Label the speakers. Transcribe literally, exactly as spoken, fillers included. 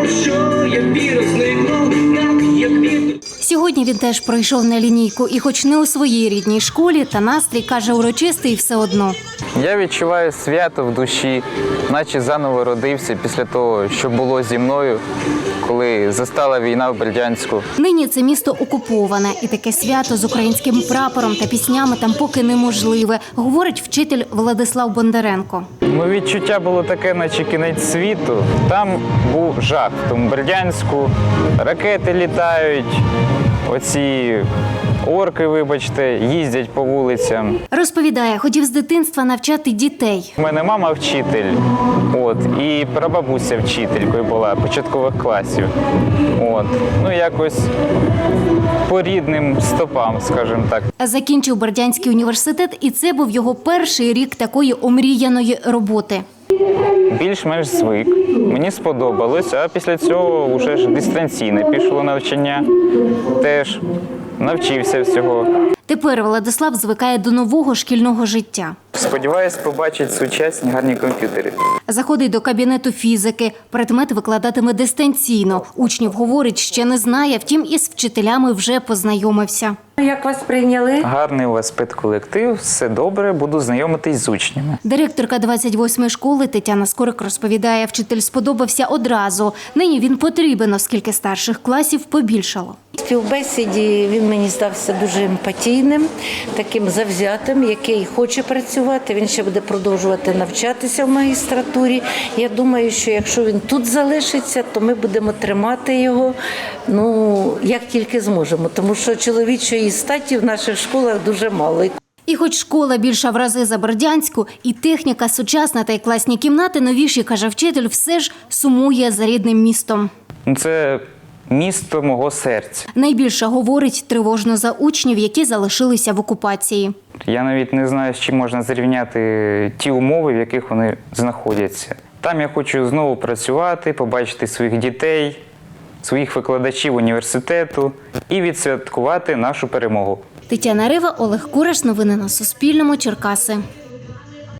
Speaker 1: що я вірусникну, так як вітер.
Speaker 2: Сьогодні він теж пройшов на лінійку, і хоч не у своїй рідній школі, та настрій, каже, урочистий все одно.
Speaker 3: Я відчуваю свято в душі, наче заново родився після того, що було зі мною, коли застала війна в Бердянську.
Speaker 2: Нині це місто окуповане, і таке свято з українським прапором та піснями там поки неможливе, говорить вчитель Владислав Бондаренко.
Speaker 3: Моє відчуття було таке, наче кінець світу. Там був жах, в тому Бердянську, ракети літають, оці орки, вибачте, їздять по вулицям.
Speaker 2: Розповідає, хотів з дитинства навчати дітей.
Speaker 3: У мене мама вчитель, от, і прабабуся вчителькою була початкових класів. От. Ну, якось по рідним стопам, скажімо так.
Speaker 2: Закінчив Бердянський університет, і це був його перший рік такої омріяної роботи.
Speaker 3: Більш-менш звик, мені сподобалось, а після цього вже ж дистанційне пішло навчання, теж навчився всього.
Speaker 2: Тепер Владислав звикає до нового шкільного життя.
Speaker 3: Сподіваюсь побачити сучасні гарні комп'ютери.
Speaker 2: Заходить до кабінету фізики. Предмет викладатиме дистанційно. Учнів, говорить, ще не знає, втім із вчителями вже познайомився.
Speaker 4: Як вас прийняли?
Speaker 3: Гарний у вас педколектив, все добре, буду знайомитись з учнями.
Speaker 2: Директорка двадцять восьмої школи Тетяна Скорик розповідає, вчитель сподобався одразу. Нині він потрібен, оскільки старших класів побільшало.
Speaker 4: В співбесіді він мені здався дуже емпатійним, таким завзятим, який хоче працювати. Він ще буде продовжувати навчатися в магістратурі. Я думаю, що якщо він тут залишиться, то ми будемо тримати його, ну, як тільки зможемо. Тому що чоловічої статі в наших школах дуже мало.
Speaker 2: І хоч школа більша в рази за Бердянську, і техніка сучасна, та й класні кімнати новіші, каже вчитель, все ж сумує за рідним містом.
Speaker 3: Це місто мого серця.
Speaker 2: Найбільше, говорить, тривожно за учнів, які залишилися в окупації.
Speaker 3: Я навіть не знаю, з чим можна зрівняти ті умови, в яких вони знаходяться. Там я хочу знову працювати, побачити своїх дітей, своїх викладачів університету і відсвяткувати нашу перемогу.
Speaker 2: Тетяна Рива, Олег Кураш. Новини на Суспільному. Черкаси.